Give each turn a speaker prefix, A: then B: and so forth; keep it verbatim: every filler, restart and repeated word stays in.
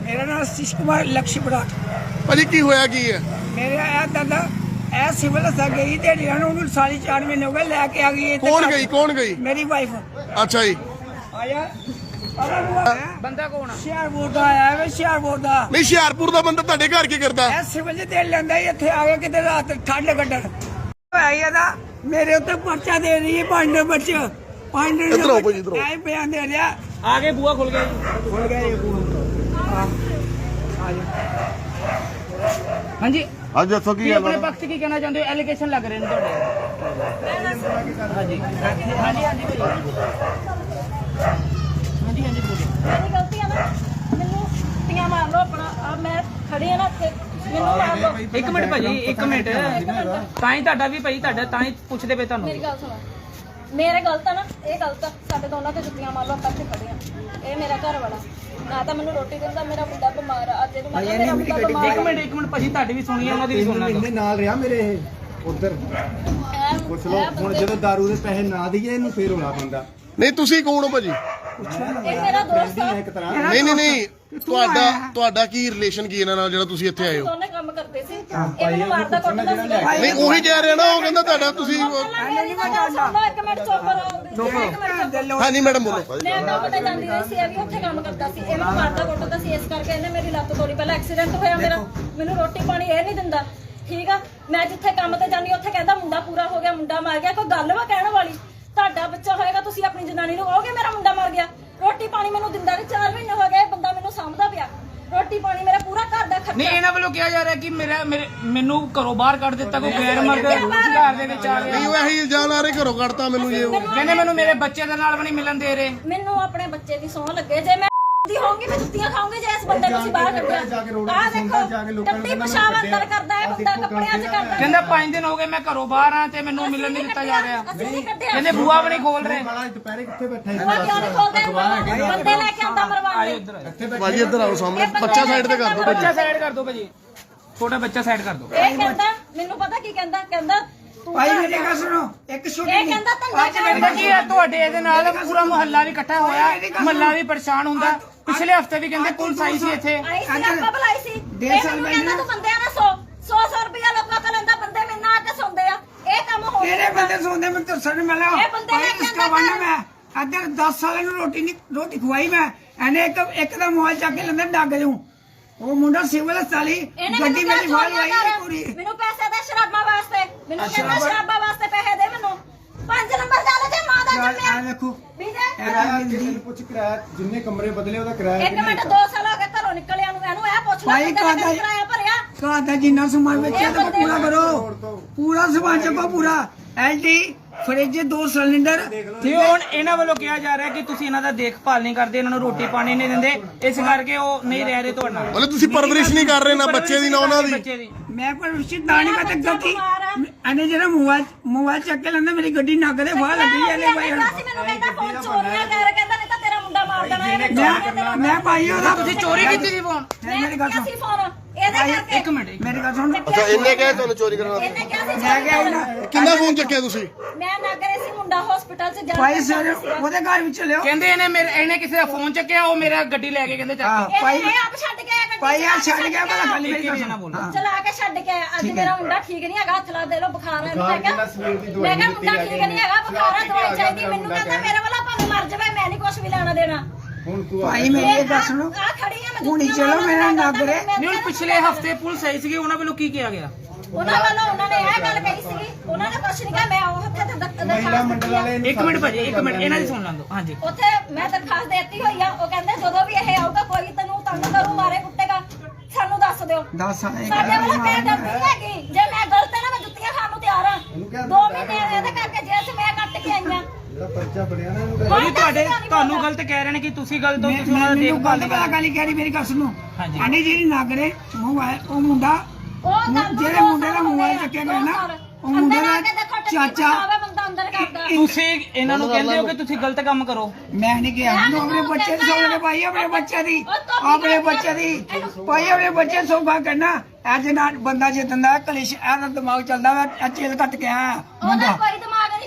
A: मेरा नाम आशीष कुमार लक्ष्यपुरा।
B: ਭਾਜੀ ਕੀ ਹੋਇਆ ਕੀ ਹੈ?
A: मेरे ए दादा ए सिविल अस्पताल गई ध्याड़ी लाने उन्होंने साढ़े चार महीने हो गए लेके आ गई।
B: ਕੌਣ ਗਈ ਕੌਣ ਗਈ?
A: मेरी वाइफ
B: ਅੱਛਾ ਜੀ।
A: आया
C: ਬੰਦਾ ਕੌਣ ਆ?
A: ਹੁਸ਼ਿਆਰਪੁਰ ਦਾ ਆਇਆ ਵੇ ਹੁਸ਼ਿਆਰਪੁਰ ਦਾ।
B: ਨਹੀਂ ਹੁਸ਼ਿਆਰਪੁਰ ਦਾ ਬੰਦਾ ਤੁਹਾਡੇ ਘਰ ਕੀ ਕਰਦਾ?
A: ਇਹ ਸਿਵਲ ਚ ਦੇ ਲੈਂਦਾ ਹੀ ਇੱਥੇ ਆ ਕੇ ਕਿਤੇ ਰਾਤ ਠੰਡ ਕੱਢਣ ਆਇਆ ਦਾ ਮੇਰੇ ਉੱਤੇ ਪਰਚਾ ਦੇ ਰਹੀ ਹੈ ਪੰਜ ਨੰਬਰ ਚ ਪੰਜ ਨੰਬਰ
B: ਇੱਧਰ ਆਓ ਭਾਜੀ, ਇੱਧਰ ਆਓ।
A: ਐ ਬਿਆਨ ਦੇ ਰਿਹਾ
C: ਆਗੇ ਬੂਆ ਖੁੱਲ ਗਿਆ ਜੀ।
A: ਖੁੱਲ ਗਿਆ ਇਹ ਬੂਹਾ। ਹਾਂ ਆ ਜਾ
C: ਹਾਂਜੀ
B: ਅੱਜ ਦੱਸੋ
C: ਕੀ ਆਪਣੇ ਪੱਖ 'ਚ ਕੀ ਕਹਿਣਾ ਚਾਹੁੰਦੇ ਹੋ? ਐਲੀਗੇਸ਼ਨ ਲੱਗ ਰਹੇ ਨੇ ਤੁਹਾਡੇ। ਹਾਂਜੀ ਹਾਂਜੀ ਹਾਂਜੀ ਹਾਂਜੀ ਹਾਂਜੀ ਬੋਲੋ।
D: ਮੇਰੀ ਗਲਤੀ ਆ ਨਾ, ਮੈਨੂੰ ਟੀਆਂ ਮਾਰ ਲਓ ਆਪਣਾ ਆ ਮੈਂ ਖੜੀ ਆ ਨਾ ਇੱਥੇ ਮੈਨੂੰ ਮਾਰ ਲਓ।
C: ਇੱਕ ਮਿੰਟ ਭਾਜੀ ਇੱਕ ਮਿੰਟ ਤਾਂ ਹੀ ਤੁਹਾਡਾ ਵੀ ਭਾਈ ਤੁਹਾਡਾ ਤਾਂ ਹੀ ਪੁੱਛਦੇ ਪਏ ਤੁਹਾਨੂੰ।
D: ਮੇਰੀ ਗੱਲ ਸੁਣੋ, ਮੇਰੇ ਗਲਤ ਆ ਨਾ, ਇਹ ਗਲਤ ਆ, ਸਾਡੇ ਦੋਨਾਂ ਤੇ ਜੁੱਤੀਆਂ ਮਾਰ ਲਓ ਆਪਾਂ ਇੱਥੇ ਖੜੇ ਆ। ਇਹ ਮੇਰਾ ਘਰ ਵਾਲਾ ਨਾ ਤਾਂ ਮੈਨੂੰ ਰੋਟੀ ਦਿੰਦਾ, ਮੇਰਾ ਮੁੰਡਾ ਬਿਮਾਰ ਆ, ਅੱਜ ਇਹਨੂੰ ਮਾਰ ਮੇਰਾ ਮੁੰਡਾ ਬਿਮਾਰ
C: ਇੱਕ ਮਿੰਟ ਇੱਕ ਮਿੰਟ ਭਾਜੀ ਤੁਹਾਡੀ ਵੀ ਸੁਣੀ ਉਹਨਾਂ ਦੀ ਵੀ ਸੁਣਨਾ
E: ਇਹਨੇ ਨਾਲ ਰਿਹਾ ਮੇਰੇ ਇਹ ਉਧਰ ਪੁੱਛ ਲਓ ਹੁਣ ਜਦੋਂ ਦਾਰੂ ਦੇ ਪੈਸੇ ਨਾ ਦਈਏ ਇਹਨੂੰ ਫੇਰ ਹੋਣਾ ਪੈਂਦਾ।
B: ਨਹੀਂ ਤੁਸੀਂ ਕੌਣ ਹੋ ਭਾਜੀ?
D: ਇਹ ਮੇਰਾ ਦੋਸਤ ਆ।
E: ਇੱਕ ਤਰ੍ਹਾਂ
B: ਨਹੀਂ ਨਹੀਂ ਨਹੀਂ ਤੁਹਾਡਾ ਤੁਹਾਡਾ ਕੀ ਰਿਲੇਸ਼ਨ ਕੀ ਇਹਨਾਂ ਨਾਲ ਜਿਹੜਾ ਤੁਸੀਂ ਇੱਥੇ ਆਏ ਹੋ?
D: ਦੋਨੇ ਕੰਮ ਕਰਦੇ ਸੀ, ਇਹ ਮੈਨੂੰ ਮਾਰਦਾ ਕੁੱਟਦਾ ਸੀਗਾ।
B: ਨਹੀਂ ਉਹੀ ਕਹਿ ਰਿਹਾ ਨਾ, ਉਹ ਕਹਿੰਦਾ ਤੁਹਾਡਾ ਤੁਸੀਂ
D: ਮੇਰੀ ਤਾਂ ਗੱਲ ਸੁਣ ਲਓ, ਇੱਕ ਮਿੰਟ ਚੁੱਪ ਰਹੋ। ਇੱਕ ਮਿੰਟ ਚੁੱਪ।
B: ਹਾਂਜੀ ਮੈਡਮ ਬੋਲੋ।
D: ਮੈਂ ਕੰਮ ਤੇ ਜਾਂਦੀ ਰਹੀ ਸੀ, ਇਹ ਵੀ ਉੱਥੇ ਕੰਮ ਕਰਦਾ ਸੀ, ਇਹ ਮੈਨੂੰ ਮਾਰਦਾ ਕੁੱਟਦਾ ਸੀ, ਇਸ ਕਰਕੇ ਇਹਨੇ ਮੇਰੀ ਲੱਤ ਤੋੜੀ। ਪਹਿਲਾਂ ਐਕਸੀਡੈਂਟ ਹੋਇਆ ਮੇਰਾ, ਮੈਨੂੰ ਰੋਟੀ ਪਾਣੀ ਇਹ ਨਹੀਂ ਦਿੰਦਾ, ਠੀਕ ਆ। ਮੈਂ ਜਿੱਥੇ ਕੰਮ ਤੇ ਜਾਂਦੀ ਉੱਥੇ ਕਹਿੰਦਾ ਮੁੰਡਾ ਪੂਰਾ ਹੋ ਗਿਆ, ਮੁੰਡਾ ਮਰ ਗਿਆ। ਕੋਈ ਗੱਲ ਵਾ ਕਹਿਣ ਵਾਲੀ? ਤੁਹਾਡਾ ਬੱਚਾ ਹੋਏਗਾ, ਤੁਸੀਂ ਆਪਣੀ ਜਨਾਨੀ ਨੂੰ ਕਹੋਗੇ ਮੇਰਾ ਮੁੰਡਾ ਮਰ ਗਿਆ? ਰੋਟੀ ਪਾਣੀ ਮੈਨੂੰ ਦਿੰਦਾ ਨਹੀਂ, ਚਾਰ ਮਹੀਨੇ ਹੋ ਗਏ ਬੰਦਾ ਮੈਨੂੰ ਸਾਂਭਦਾ ਪਿਆ, ਰੋਟੀ ਪਾਣੀ ਮੇਰਾ ਪੂਰਾ ਘਰ ਦਾ ਖਰਚਾ।
C: ਨਹੀਂ ਇਹਨਾਂ ਵੱਲੋਂ ਕਿਹਾ ਜਾ ਰਿਹਾ ਕਿ ਮੇਰਾ ਮੇਰੇ ਮੈਨੂੰ ਘਰੋਂ ਬਾਹਰ ਕੱਢ ਦਿੱਤਾ, ਕੋਈ ਗੈਰ ਮਰਦ ਘਰ ਦੇ ਵਿੱਚ ਆ ਗਿਆ।
B: ਨਹੀਂ ਉਹ ਇਹੀ ਇਲਜ਼ਾਮ ਆ ਰਹੇ ਘਰੋਂ ਕੱਢਤਾ ਮੈਨੂੰ ਜੇ ਉਹ
C: ਕਹਿੰਦੇ ਮੈਨੂੰ ਮੇਰੇ ਬੱਚੇ ਦੇ ਨਾਲ ਵੀ ਨਹੀਂ ਮਿਲਣ ਦੇ ਰਹੇ।
D: ਮੈਨੂੰ ਆਪਣੇ ਬੱਚੇ ਦੀ ਸੌਂ ਲੱਗੇ, ਜੇ ਮੈਂ ਦੀ ਹੋਊਂਗੀ ਮੈਂ ਜੁੱਤੀਆਂ ਖਾਊਂਗੀ ਜੇ ਇਸ ਬੰਦੇ ਨੂੰ ਅਸੀਂ ਬਾਹਰ ਕੱਢਿਆ। ਆਹ ਦੇਖੋ ਟੱਟੀ ਪਿਸ਼ਾਬ ਅੰਦਰ ਕਰਦਾ ਹੈ ਬੰਦਾ, ਕੱਪੜਿਆਂ 'ਚ ਕਰਦਾ।
C: ਕਹਿੰਦਾ ਪੰਜ ਦਿਨ ਹੋ ਗਏ ਮੈਂ ਘਰੋਂ ਬਾਹਰ ਆ ਤੇ ਮੈਨੂੰ ਮਿਲਣ ਨਹੀਂ ਦਿੱਤਾ ਜਾ ਰਿਹਾ।
D: ਅਸੀਂ ਨਹੀਂ ਕੱਢਿਆ।
C: ਕਹਿੰਦੇ ਬੂਆ ਵੀ ਨਹੀਂ ਖੋਲ ਰਹੇ।
E: ਵਾਲਾ ਦੁਪਹਿਰੇ ਕਿੱਥੇ ਬੈਠਾ
D: ਉਹ ਕਿਉਂ ਨਹੀਂ ਖੋਲਦੇ? ਬੰਦੇ ਲੈ ਕੇ ਆਉਂਦਾ ਮਰਵਾਉਣ ਲਈ।
B: ਭਾਜੀ ਇੱਧਰ ਆਓ ਸਾਹਮਣੇ, ਬੱਚਾ ਸਾਈਡ ਤੇ ਕਰ ਦਿਓ ਭਾਜੀ।
C: ਬੱਚਾ ਸਾਈਡ ਕਰ ਦਿਓ ਭਾਜੀ, ਛੋਟਾ ਬੱਚਾ ਸਾਈਡ ਕਰ ਦਿਓ।
D: ਇਹ ਕਹਿੰਦਾ ਮੈਨੂੰ ਪਤਾ ਕੀ ਕਹਿੰਦਾ, ਕਹਿੰਦਾ ਤੂੰ
A: ਭਾਈ ਮੇਰੀ ਗੱਲ ਸੁਣੋ ਇੱਕ ਛੋਟੀ
D: ਇਹ ਕਹਿੰਦਾ ਧੰਦਾ
C: ਕਹਿੰਦਾ ਕੀ ਹੈ ਤੁਹਾਡੇ ਇਹਦੇ ਨਾਲ ਪੂਰਾ ਮੁਹੱਲਾ ਵੀ ਇਕੱਠਾ ਹੋਇਆ, ਮੁਹੱਲਾ ਵੀ ਪਰੇਸ਼ਾਨ ਹੁੰਦਾ। ਪਿਛਲੇ ਹਫਤੇ ਵੀ ਕਹਿੰਦੇ ਪੁਲਿਸ ਆਈ ਸੀ ਇੱਥੇ।
D: ਆਈ ਸੀ, ਆਪਾਂ ਬੁਲਾਈ ਸੀ। ਇਹ ਮੈਨੂੰ ਕਹਿੰਦਾ ਤੂੰ ਬੰਦਿਆਂ ਨਾਲ ਸੌ ਸੌ ਸੌ ਰੁਪਇਆ ਲੋਕਾਂ ਕੋਲ ਲੈਂਦਾ, ਬੰਦੇ ਮੇਰੇ ਨਾਲ ਆ ਕੇ ਸੌਂਦੇ ਆ। ਇਹ ਕੰਮ ਹੋ
A: ਕਿਹੜੇ ਬੰਦੇ ਸੌਂਦੇ ਮੈਂ ਤੁਰਸਣ ਮਿਲਿਆ
D: ਇਹ ਬੰਦੇ ਲੈ ਕੇ
A: ਇਸਕਾ ਵੰਡ ਮੈਂ ਇੱਧਰ ਦਸ ਸਾਲਾਂ ਨੂੰ ਰੋਟੀ ਨਹੀਂ ਰੋਟੀ ਖਵਾਈ ਮੈਂ। ਇਹਨੇ ਇੱਕ ਇੱਕ ਦਾ ਮੋਬਾਈਲ ਚੱਕ ਕੇ ਲੈਂਦਾ ਡੱਗ ਜੂ। ਉਹ ਮੁੰਡਾ ਸਿਵਲ ਹਸਪਤਾਲੀ ਗੱਡੀ ਮੇਰੀ ਫਾਲ ਲਾਈ ਪੂਰੀ।
D: ਮੈਨੂੰ ਪੈਸੇ ਦੇ ਸ਼ਰਾਬਾਂ ਵਾਸਤੇ, ਮੈਨੂੰ ਕਹਿੰਦਾ ਸ਼ਰਾਬਾਂ ਵਾਸਤੇ ਪੈਸੇ ਦੇ ਮੈਨੂੰ। ਪੰਜ ਨੰਬਰ ਦਾ ਲੈ ਜੇ ਮਾਂ ਦਾ
A: ਆ
D: ਜੰਮਿਆ
A: ਦੇਖੋ
D: ਵੀਰੇ।
E: ਪੁੱਛ ਕਿਰਾਇਆ ਜਿੰਨੇ ਕਮਰੇ ਬਦਲੇ ਉਹਦਾ ਕਿਰਾਇਆ
D: ਇੱਕ ਮਿੰਟ, ਦੋ ਸਾਲ ਹੋ ਗਏ ਘਰੋਂ ਨਿਕਲਿਆ ਨੂੰ, ਇਹਨੂੰ ਇਹ ਪੁੱਛ ਲੈ
A: ਭਾਈ
D: ਕਿੰਨਾ
A: ਕਾਹਦਾ
D: ਕਿਰਾਇਆ ਭਰਿਆ।
A: ਘਰ ਦਾ ਜਿੰਨਾ ਸਮਾਨ ਵੇਚਿਆ ਤਾਂ ਪੂਰਾ ਕਰੋ, ਪੂਰਾ ਸਮਾਨ ਚੱਕੋ ਪੂਰਾ। ਐਲਡੀ ਫਰਿੱਜ ਦੋ ਸਿਲੰਡਰ।
C: ਤੇ ਹੁਣ ਇਹਨਾਂ ਵੱਲੋਂ ਕਿਹਾ ਜਾ ਰਿਹਾ ਕਿ ਤੁਸੀਂ ਇਹਨਾਂ ਦਾ ਦੇਖਭਾਲ ਨਹੀਂ ਕਰਦੇ, ਇਹਨਾਂ ਨੂੰ ਰੋਟੀ ਪਾਣੀ ਨਹੀਂ ਦਿੰਦੇ, ਇਸ ਕਰਕੇ ਉਹ ਨਹੀਂ ਰਹਿ ਰਹੇ ਤੁਹਾਡੇ ਨਾਲ।
B: ਮਤਲਬ ਤੁਸੀਂ ਪਰਵਰਿਸ਼ ਨਹੀਂ ਕਰ ਰਹੇ ਨਾ ਬੱਚੇ ਦੀ ਨਾ ਉਹਨਾਂ ਦੀ।
C: ਬੱਚੇ ਦੀ
A: ਮੈਂ ਪਰ ਰਿਸ਼ਤੇ ਦਾਣੀ ਮੈਂ ਤੇ ਗਲਤੀ ਇਹਨੇ ਜਿਹੜਾ ਮੋਬਾਈਲ ਮੋਬਾਈਲ ਚੱਕ ਕੇ ਲੈਂਦਾ ਮੇਰੀ ਗੱਡੀ ਨੱਕ ਦੇ ਫਾਹ ਲੱਗੀ ਇਹਨੇ ਭਾਈ
D: ਮੈਨੂੰ ਕਹਿੰਦਾ ਫੋਨ ਚੋਰੀਆਂ ਕਰ, ਕਹਿੰਦਾ ਨਹੀਂ ਤਾਂ ਤੇਰਾ ਮੁੰਡਾ ਮਾਰ ਦੇਣਾ ਇਹਨੇ।
A: ਮੈਂ ਮੈਂ ਭਾਈ ਉਹਦਾ
C: ਤੁਸੀਂ ਚੋਰੀ ਕੀਤੀ ਸੀ ਫੋਨ?
A: ਮੇਰੀ ਗੱਲ ਸੁਣ,
D: ਅਸੀਂ ਫੋਨ ਇਹਦੇ ਕਰਕੇ
C: ਇੱਕ ਮਿੰਟ
A: ਮੇਰੀ ਗੱਲ ਸੁਣ।
B: ਅੱਛਾ ਇਹਨੇ ਕਿਹਾ ਤੁਹਾਨੂੰ ਚੋਰੀ ਕਰਨ ਦਾ?
D: ਇਹਨੇ ਕਿਹਾ ਸੀ
A: ਮੈਂ ਕਿਹਾ ਇਹਨਾਂ
B: ਕਿੰਨਾ ਫੋਨ ਚੱਕਿਆ ਤੁਸੀਂ?
D: ਮੈਂ ਨਾ ਕਰੇ ਸੀ ਮੁੰਡਾ ਹਸਪੀਟਲ 'ਚ ਜਾ
A: ਭਾਈ ਸਰ ਉਹਦੇ ਘਰ ਵਿੱਚ ਲਿਓ।
C: ਕਹਿੰਦੇ ਇਹਨੇ ਮੇਰੇ ਇਹਨੇ ਕਿਸੇ ਦਾ ਫੋਨ ਚੱਕਿਆ, ਉਹ ਮੇਰਾ ਗੱਡੀ ਲੈ ਕੇ ਕਹਿੰਦੇ ਚੱਕ ਕੇ।
A: ਭਾਈ
D: ਇਹ ਆਪ ਛੱਡ ਕੇ ਆਇਆ ਗੱਡੀ।
A: ਭਾਈ ਆ ਛੱਡ ਗਿਆ ਭਲਾ ਖਾਲੀ ਮੇਰੀ ਗੱਲ
C: ਨਾ
A: ਸੁਣ।
C: ਬੋਲੋ।
D: ਚਲਾ ਕੇ ਛੱਡ ਕੇ ਆਇਆ। ਅੱਜ ਮੇਰਾ ਮੁੰਡਾ ਠੀਕ ਨਹੀਂ ਹੈਗਾ, ਹੱਥ ਲਾ ਦੇ ਲੋ, ਬੁਖਾਰ ਹੈ। ਮੈਂ ਕਿਹਾ ਮੈਂ ਕਿਹਾ ਮੁੰਡਾ ਠੀਕ ਨਹੀਂ ਹੈਗਾ, ਬੁਖਾਰ ਹੈ, ਦਵਾਈ ਚਾਹੀਦੀ। ਮੈਨੂੰ ਕਹਿੰਦਾ ਮੇਰੇ ਵਾਲਾ ਭਾਵੇਂ ਮਰ ਜਾਵੇ, ਮੈਂ ਨਹੀਂ ਕੁਝ ਵੀ ਲੈਣਾ ਦੇਣਾ।
E: ਹੁਣ ਤੂੰ
A: ਭਾਈ ਮੇਰੀ ਇਹ ਗੱਲ ਸੁਣੋ,
D: ਆ ਖੜੀ ਆ ਮੈਂ
A: ਹੁਣੀ ਚਲੋ ਮੇਰਾ ਨਾਗਰੇ।
C: ਨਹੀਂ ਹੁਣ ਪਿਛਲੇ ਹਫਤੇ ਪੁਲਿਸ ਆਈ ਸੀਗੀ, ਉਹਨਾਂ ਵੱਲੋਂ ਕੀ ਕਿਹਾ ਗਿਆ?
D: ਉਹਨਾਂ ਵੱਲੋਂ ਉਹਨਾਂ ਨੇ ਇਹ ਗੱਲ ਕਹੀ ਸੀਗੀ, ਉਹਨਾਂ ਨੇ ਕੁਝ ਨਹੀਂ ਕਿਹਾ। ਮੈਂ ਉਹ ਉੱਥੇ ਤੇ ਦਰਖਾਸਤ
E: ਮਹਿਲਾ ਮੰਡਲ ਵਾਲੇ
D: ਦਿੱਤੀ।
C: ਇੱਕ ਮਿੰਟ ਭਾਜੀ, ਇੱਕ ਮਿੰਟ ਇਹਨਾਂ ਦੀ ਸੁਣ ਲੈਂਦੋ। ਹਾਂਜੀ
D: ਉੱਥੇ ਮੈਂ ਦਰਖਾਸਤ ਦਿੱਤੀ ਹੋਈ ਆ। ਉਹ ਕਹਿੰਦੇ ਜਦੋਂ ਵੀ ਇਹ ਆਊਗਾ ਕੋਈ ਤੈਨੂੰ ਤੰਗ ਕਰੂ, ਮਾਰੇ ਕੁੱਟੇਗਾ, ਸਾਨੂੰ ਦੱਸ ਦਿਓ।
A: ਦਸ ਸਾਲ
D: ਸਾਡੇ ਵੱਲੋਂ ਮੈਂ ਡਰਦੀ ਨਹੀਂ ਹੈਗੀ। ਜੇ ਮੈਂ ਗਲਤ ਹੈ ਨਾ, ਮੈਂ ਜੁੱਤੀਆਂ ਖਾਣ ਨੂੰ ਤਿਆਰ ਆ। ਦੋ ਮਹੀਨੇ ਇਹਦੇ ਕਰਕੇ ਜੇਲ੍ਹ 'ਚ ਮੈਂ ਕੱਟ ਕੇ ਆਈਆਂ।
E: ਇਹਦਾ ਪਰਚਾ ਬਣਿਆ ਨਾ ਇਹਨੂੰ
C: ਭਾਜੀ ਤੁਹਾਡੇ ਤੁਹਾਨੂੰ ਗਲਤ ਕਹਿ ਰਹੇ ਨੇ ਕਿ ਤੁਸੀਂ ਗਲਤ ਹੋ, ਤੁਸੀਂ ਉਹਨਾਂ ਦਾ
A: ਮੈਨੂੰ
C: ਦੇਖਭਾਲ
A: ਗੱਲ
C: ਨਹੀਂ
A: ਪਤਾ ਗੱਲ ਕਹਿ ਰਹੀ ਮੇਰੀ ਗੱਲ ਸੁਣੋ।
C: ਹਾਂਜੀ।
A: ਆਨੇ ਜਿਹੜੀ ਨਾਗਰੇ ਮੋਬਾਈਲ ਉਹ ਮੁੰਡਾ
D: ਉਹ ਕੰਮ
A: ਜਿਹੜੇ ਮੁੰਡੇ ਦਾ ਮੋਬਾਈਲ ਚੱਕਿਆ ਗਿਆ ਨਾ, ਉਹ ਮੁੰਡੇ ਦਾ ਚਾਚਾ।
D: ਬੰਦਾ ਅੰਦਰ ਕਰਦਾ।
C: ਤੁਸੀਂ ਇਹਨਾਂ ਨੂੰ ਕਹਿੰਦੇ ਹੋ ਕਿ ਤੁਸੀਂ ਗਲਤ ਕੰਮ ਕਰੋ।
A: ਮੈਂ ਨਹੀਂ ਕਿਹਾ ਮੈਨੂੰ ਆਪਣੇ ਬੱਚੇ ਦੀ ਸੌਂਹ ਭਾਈ, ਆਪਣੇ ਬੱਚੇ ਦੀ ਆਪਣੇ ਬੱਚੇ ਦੀ ਭਾਈ, ਆਪਣੇ ਬੱਚੇ ਸੌਂਹਾ ਕਰਨਾ। ਅੱਜ ਨਾ ਬੰਦਾ ਜਿੱਦਦਾ ਕਲਿਸ਼ ਇਹਦਾ ਦਿਮਾਗ ਚੱਲਦਾ ਵਾ। ਚੇਲ ਕੱਟ ਕੇ ਆਇਆ
D: ਉਹਦਾ
A: ਮੁੰਡਾ।
D: ਕੋਈ ਦਿਮਾਗ